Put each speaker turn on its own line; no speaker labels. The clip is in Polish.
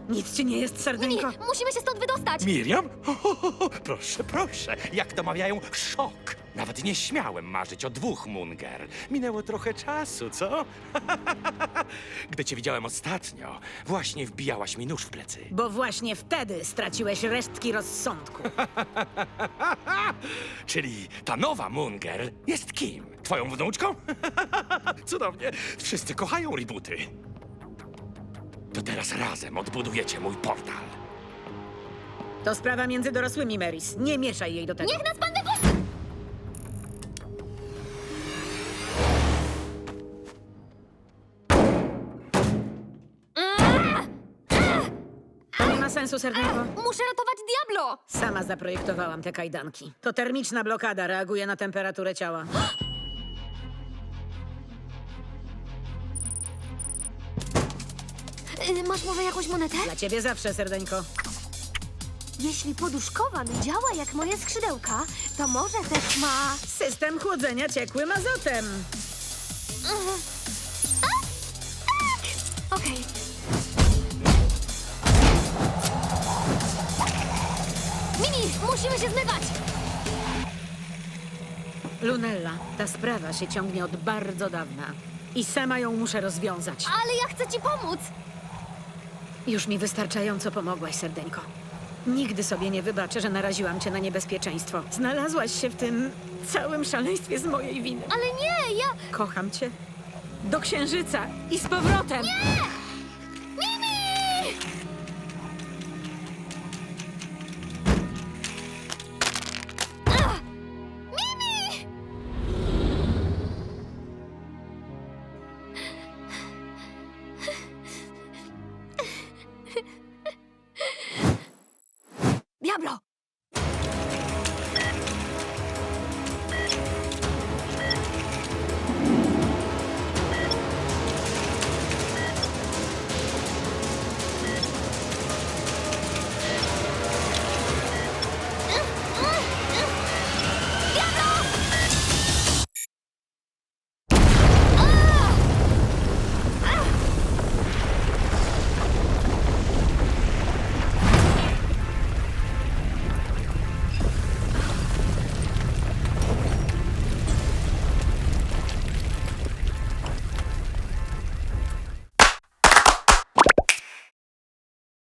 Nic ci nie jest,
Mini,
serdeńko?
musimy się stąd wydostać!
Miriam? Proszę, proszę. Jak to mawiają, szok. Nawet nie śmiałem marzyć o 2 Munger. Minęło trochę czasu, co? Gdy cię widziałem ostatnio, właśnie wbijałaś mi nóż w plecy.
Bo właśnie wtedy straciłeś resztki rozsądku.
Czyli ta nowa Munger jest kim? Twoją wnuczką? Cudownie. Wszyscy kochają rebooty. To teraz razem odbudujecie mój portal.
To sprawa między dorosłymi, Maris. Nie mieszaj jej do tego.
Niech nas pan wypuści!
To nie ma sensu, serdeńko.
Muszę ratować Diablo!
Sama zaprojektowałam te kajdanki. To termiczna blokada, reaguje na temperaturę ciała.
Masz może jakąś monetę?
Dla ciebie zawsze, serdeńko.
Jeśli poduszkowa mi działa jak moje skrzydełka, to może też ma...
System chłodzenia ciekłym azotem.
Okej. Mini, musimy się zmywać!
Lunella, ta sprawa się ciągnie od bardzo dawna. I sama ją muszę rozwiązać.
Ale ja chcę ci pomóc!
Już mi wystarczająco pomogłaś, serdeńko. Nigdy sobie nie wybaczę, że naraziłam cię na niebezpieczeństwo. Znalazłaś się w tym całym szaleństwie z mojej winy.
Ale nie, ja...
Kocham cię. Do księżyca i z powrotem.
Nie!